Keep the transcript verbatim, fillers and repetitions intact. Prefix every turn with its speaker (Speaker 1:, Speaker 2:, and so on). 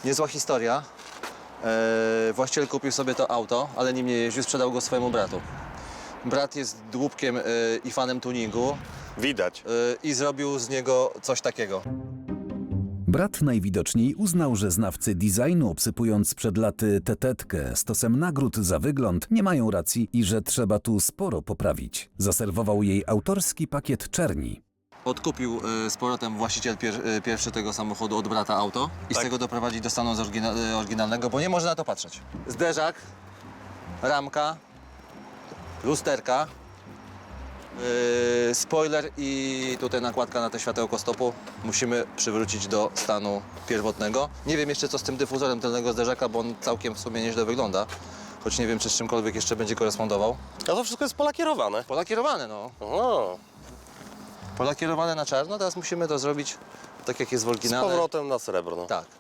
Speaker 1: Niezła historia. Eee, właściciel kupił sobie to auto, ale nim nie jeździł, sprzedał go swojemu bratu. Brat jest dłubkiem e, i fanem tuningu
Speaker 2: Widać.
Speaker 1: e, i zrobił z niego coś takiego.
Speaker 3: Brat najwidoczniej uznał, że znawcy designu, obsypując przed laty tetetkę stosem nagród za wygląd, nie mają racji i że trzeba tu sporo poprawić. Zaserwował jej autorski pakiet czerni.
Speaker 1: Odkupił e, z powrotem właściciel pier, e, pierwszy tego samochodu od brata auto i
Speaker 2: Tak.
Speaker 1: z tego doprowadzić do stanu z oryginal, e, oryginalnego, bo nie można na to patrzeć. Zderzak, ramka, lusterka, e, spoiler i tutaj nakładka na te światełko stopu musimy przywrócić do stanu pierwotnego. Nie wiem jeszcze co z tym dyfuzorem tylnego zderzaka, bo on całkiem w sumie nieźle wygląda. Choć nie wiem, czy z czymkolwiek jeszcze będzie korespondował.
Speaker 2: A to wszystko jest polakierowane.
Speaker 1: Polakierowane, no.
Speaker 2: O,
Speaker 1: Polakierowane na czarno, teraz musimy to zrobić tak jak jest w
Speaker 2: z
Speaker 1: oryginale.
Speaker 2: powrotem na srebrno.
Speaker 1: Tak.